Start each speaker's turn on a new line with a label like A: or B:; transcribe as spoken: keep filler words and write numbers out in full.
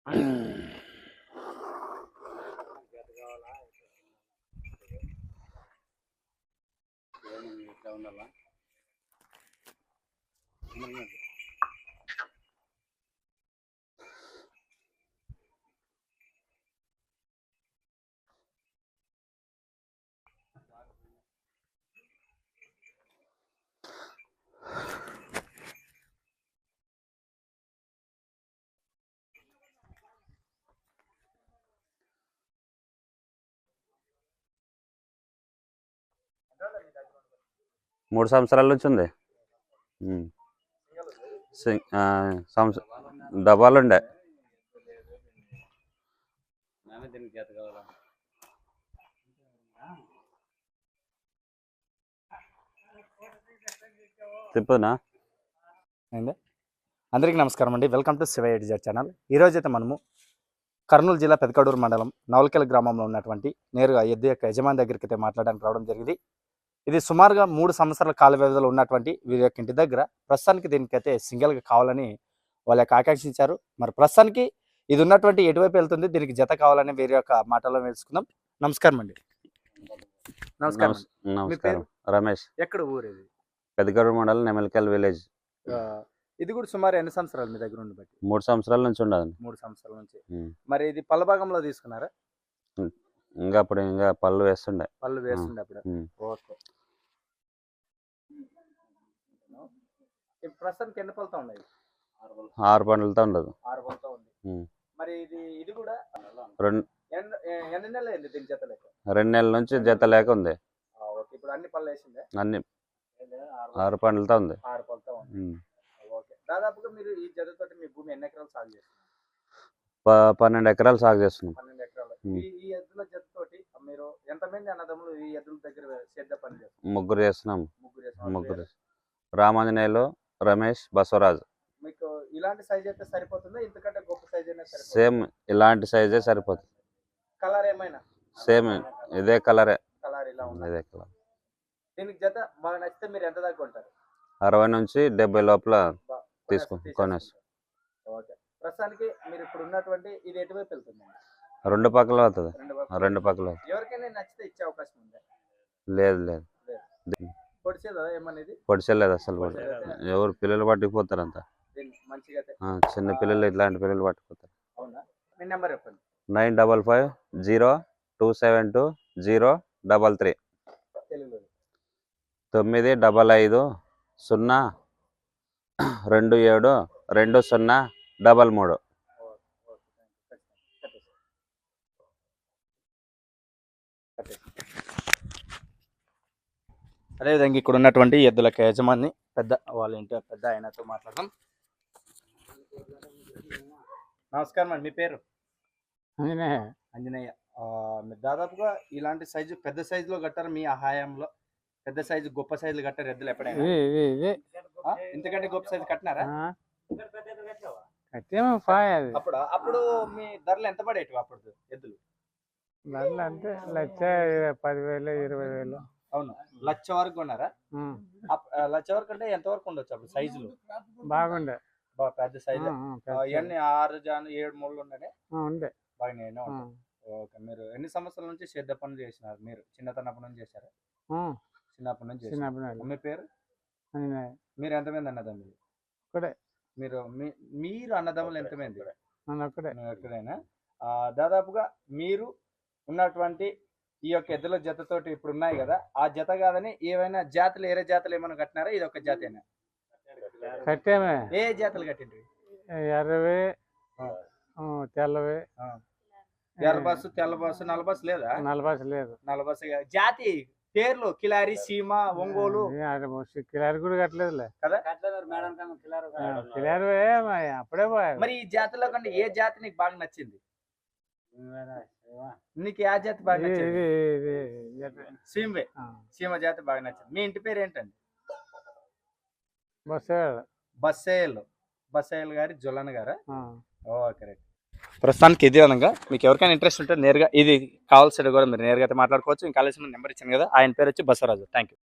A: మూడు సంవత్సరాల నుంచి ఉంది. డబ్బాలు ఉండే తిప్పునా.
B: అందరికీ నమస్కారం అండి. వెల్కమ్ టు శివ ఎడిజర్ ఛానల్. ఈరోజు అయితే మనము కర్నూలు జిల్లా పెదకడూరు మండలం నవలకెల్ గ్రామంలో ఉన్నటువంటి నేరుగా ఎద్దు యొక్క యజమాని దగ్గరికి అయితే మాట్లాడడానికి రావడం జరిగింది. ఇది సుమారుగా మూడు సంవత్సరాల కాల వ్యవధిలో ఉన్నటువంటి వీరి యొక్క ఇంటి దగ్గర ప్రస్తుతానికి దీనికైతే సింగిల్గా కావాలని వాళ్ళ యొక్క ఆకాంక్షించారు. మరి ప్రస్తుతానికి ఇది ఉన్నటువంటి ఎటువైపు వెళ్తుంది, దీనికి జత కావాలని వీరి యొక్క మాటల్లో తెలుసుకుందాం. నమస్కారం అండి.
A: నమస్కారం. నమస్కారం. రమేష్.
B: ఎక్కడ ఊరు ఇది?
A: పెదకడూరు మండలం నెమలికల్ విలేజ్.
B: ఇది కూడా సుమారు ఎన్ని సంవత్సరాలు మీ దగ్గర ఉండి బట్టి?
A: మూడు సంవత్సరాల నుంచి ఉండదు.
B: మూడు సంవత్సరాల నుంచి. మరి ఇది పళ్ళ భాగంలో తీసుకున్నారా?
A: ఇంకా అప్పుడు ఇంకా పళ్ళు వేస్తుండే.
B: పళ్ళు వేస్తుండే అప్పుడు. ఓకే. ప్రస్తుతానికి ఎన్ని పళ్ళతో ఉన్నాయి?
A: ఆరు పండ్లతో ఉండదు.
B: ఆరు పళ్ళతో ఉంది. మరి ఇది ఇది కూడా
A: రెండు
B: ఎన్ని నెలలు అయింది దీని జత లేక?
A: రెండు నెలల నుంచి జత లేక ఉంది.
B: ఇప్పుడు అన్ని పళ్ళు వేసిందే?
A: అన్ని ఆరు పండ్లతో ఉంది.
B: ఆరు పళ్ళతో ఉంది. ఓకే. దాదాపుగా మీరు ఈ జతతో మీ భూమి ఎన్ని ఎకరాలు సాగు చేస్తున్నారు?
A: పన్నెండు ఎకరాలు సాగు చేస్తున్నాం.
B: పన్నెండు ఎకరాలు. ఈ ఎద్దుల జతతోటి మీరు ఎంతమంది అన్నదమ్ములు ఈ ఎద్దుల దగ్గర సేద్య పని చేస్తారు?
A: ముగ్గురు చేస్తున్నాం.
B: ముగ్గురు చేస్తున్నారు.
A: ముగ్గురు. రామాంజనేయులు, రమేష్, బసవరాజు.
B: మీకు ఇలాంటి సైజ్ అయితే సరిపోతుందా? ఇంతకంటే గొప్ప సైజ్ అయినా సరిపోతుందా?
A: సేమ్ ఇలాంటి సైజే సరిపోతుంది.
B: కలర్ ఏమైనా?
A: సేమ్ ఇదే కలరే.
B: కలర్ ఇలా ఉంది.
A: ఇదే కలర్.
B: దీనికి జత బాగా నచ్చితే మీరు ఎంత దాకా కొంటారు?
A: అరవై నుంచి డెబ్బై లోపల తీసుకుంటాం. కొనేస్తాం.
B: ఓకే. ప్రస్తుతానికి మీరు ఇప్పుడు ఉన్నటువంటి ఇది ఎటువైపు వెళ్తుంది?
A: రెండు పక్కల అవుతుంది. రెండు పక్కల.
B: ఎవరికైనా నచ్చితే ఇచ్చే అవకాశం ఉందా?
A: లేదు లేదు.
B: పొడిచేదా ఏమనేది?
A: పొడిచేలేదు అసలు. ఎవరు పిల్లలు పట్టుకుపోతారు అంతా. చిన్న పిల్లలు ఇట్లాంటి పిల్లలు పట్టుకుపోతారు.
B: అవునా? మీ నెంబర్ చెప్పండి.
A: Nine double five zero two seven two zero double three. తొమ్మిది డబల్ ఐదు సున్నా రెండు ఏడు రెండు సున్నా డబల్ మూడు.
B: అదేవిధంగా ఇక్కడ ఉన్నటువంటి ఎద్దులకి యజమాని పెద్ద వాళ్ళ ఇంటి పెద్ద ఆయనతో మాట్లాడదాం. నమస్కారం అండి. మీ పేరు?
C: అంజనేయ.
B: అంజనేయ. మీరు దాదాపుగా ఇలాంటి సైజు పెద్ద సైజులో కట్టారు మీ హయాంలో? పెద్ద సైజు గొప్ప సైజులు కట్టారు ఎద్దులు ఎప్పుడైనా? ఇంతకంటే గొప్ప సైజు కట్టినారా? అప్పుడు అప్పుడు మీ ధరలు ఎంత పడేటివి అప్పుడు ఎద్దులు?
C: ధరలు అంటే లక్ష పదివేలు ఇరవై వేలు.
B: అవును. లక్ష వరకు కొన్నారా? లక్ష వరకు అంటే ఎంత వరకు ఉండొచ్చు అప్పుడు సైజులు?
C: బాగుండే.
B: పెద్ద సైజు. ఇవన్నీ ఆరు జాను ఏడు మూడు ఉండే
C: ఉండే
B: బాగా. ఓకే. మీరు ఎన్ని సంవత్సరాల నుంచి సేద్య పనులు చేసినారు? మీరు చిన్నతనప్పటి నుంచి చేశారా? చిన్నప్పటి నుంచి. మీ పేరు? మీరు ఎంతమంది అన్నదమ్ములు? మీరు మీరు అన్నదమ్ములు ఎంతమంది? ఎక్కడైనా దాదాపుగా మీరు ఉన్నటువంటి ఈ యొక్క ఎద్దుల జతతోటి ఇప్పుడు ఉన్నాయి కదా, ఆ జత కాదని ఏమైనా జాతులు వేరే జాతులు ఏమైనా కట్టినారా? ఇది ఒక జాతేనా?
C: కట్టామే.
B: ఏ జాతులు కట్టిండ్రి?
C: ఎర్రవి, తెల్లవి.
B: ఎర్ర బస్సు, తెల్ల బస్సు, నల్ల బస్సు లేదా?
C: నల్ల బస్సు లేదు.
B: నల్ల బస్సు. జాతి పేర్లు కిలారి, సీమ, ఒంగోలు.
C: కిలారి కూడా కట్టలేదులే
B: కదా?
C: కిలారి అప్పుడే పోయా.
B: మరి ఈ జాతిలో కంటే ఏ జాతి నీకు బాగా నచ్చింది? నీకు ఏ జాతి బాగా నచ్చింది? సీమే. సీమ జాతి బాగా నచ్చింది. మీ ఇంటి పేరు ఏంటండి?
C: బస్సేలు.
B: బస్సేలు. బస్సేలు గారి జొల్లన్న గారా? Okay right. ప్రస్తుతానికి ఇది అనగా మీకు ఎవరికైనా ఇంట్రెస్ట్ ఉంటే నేరుగా ఇది కావాల్సిన కూడా మీరు నేరుగా అయితే మాట్లాడుకోవచ్చు. ఇంకా కావాల్సిన నెంబర్ ఇచ్చాను కదా, ఆయన పేరు వచ్చి బసవరాజు. Thank you.